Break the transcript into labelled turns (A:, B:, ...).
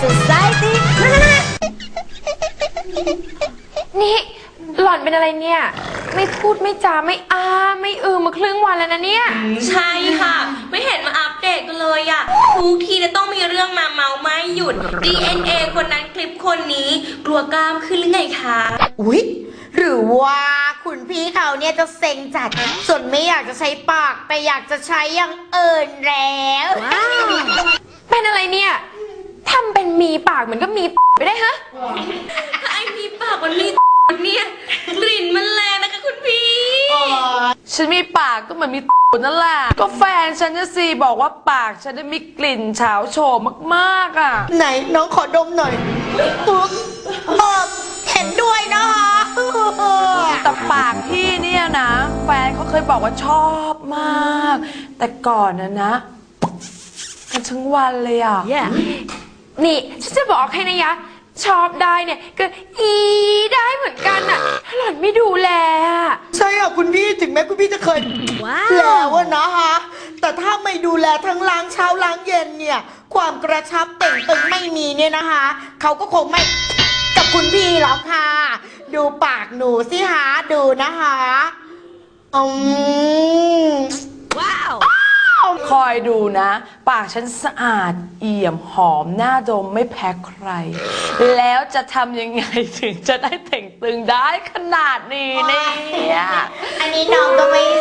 A: Society
B: นี่หล่อนเป็นอะไรเนี่ย ไม่พูดไม่จาไม่ไม่มาครึ่งวันแล้วนะเนี่ย
C: ใช่ค่ะ ไม่เห็นมาอัปเดตกันเลยอะทุกทีเนี่ยต้องมีเรื่องมาเมาไม่หยุด DNA คนนั้นคลิปคนนี้กลัวกล้ามขึ้นหรือไงคะ
A: อุ๊ยหรือว่าคุณพี่เขาเนี่ยจะเซ็งจัดส่วนไม่อยากจะใช้ปากแต่อยากจะใช้อย่างอื่นแล้ว
B: เป็นอะไรเนี่ยทำเป็นมีปากเหมือนก็มีไปได้ฮะ
C: ไอ้มีปากมันมีเนี่ยกลิ่นมันแรงนะคะคุณพี่
D: ฉันมีปากก็เหมือนมีนั่นแหละก็แฟนฉันจะสิบอกว่าปากฉันได้มีกลิ่นเฉาโฉมมากๆอ่ะ
A: ไหนน้องขอดมหน่อยปุ๊บเห็นด้วยนะคะ
D: แต่ปากพี่เนี่ยนะ แฟนเขาเคยบอกว่าชอบมาก แต่ก่อนนะกันทั้งวันเลยอ่ะ
B: นี่ฉันจะบอกให้นะยะ ชอบได้เนี่ยก็ได้เหมือนกันอะถ้าหล่อนไม่ดูแลอะ
A: ใช่ค่ะคุณพี่ถึงแม้คุณพี่จะเคยแล้วอะนะคะแต่ถ้าไม่ดูแลทั้งล้างเช้าล้างเย็นเนี่ยความกระชับเต่งตึงไม่มีเนี่ยนะคะเขาก็คงไม่กับคุณพี่หรอกค่ะ ดูปากหนูสิคะดูนะคะว้าว
D: คอยดูนะ ปากฉันสะอาดเอี่ยมหอมหน้าดมไม่แพ้ใคร แล้วจะทำยังไงถึงจะได้เต่งตึงได้ขนาดนี้เนี่ย
A: อันนี้น้องก็ไม่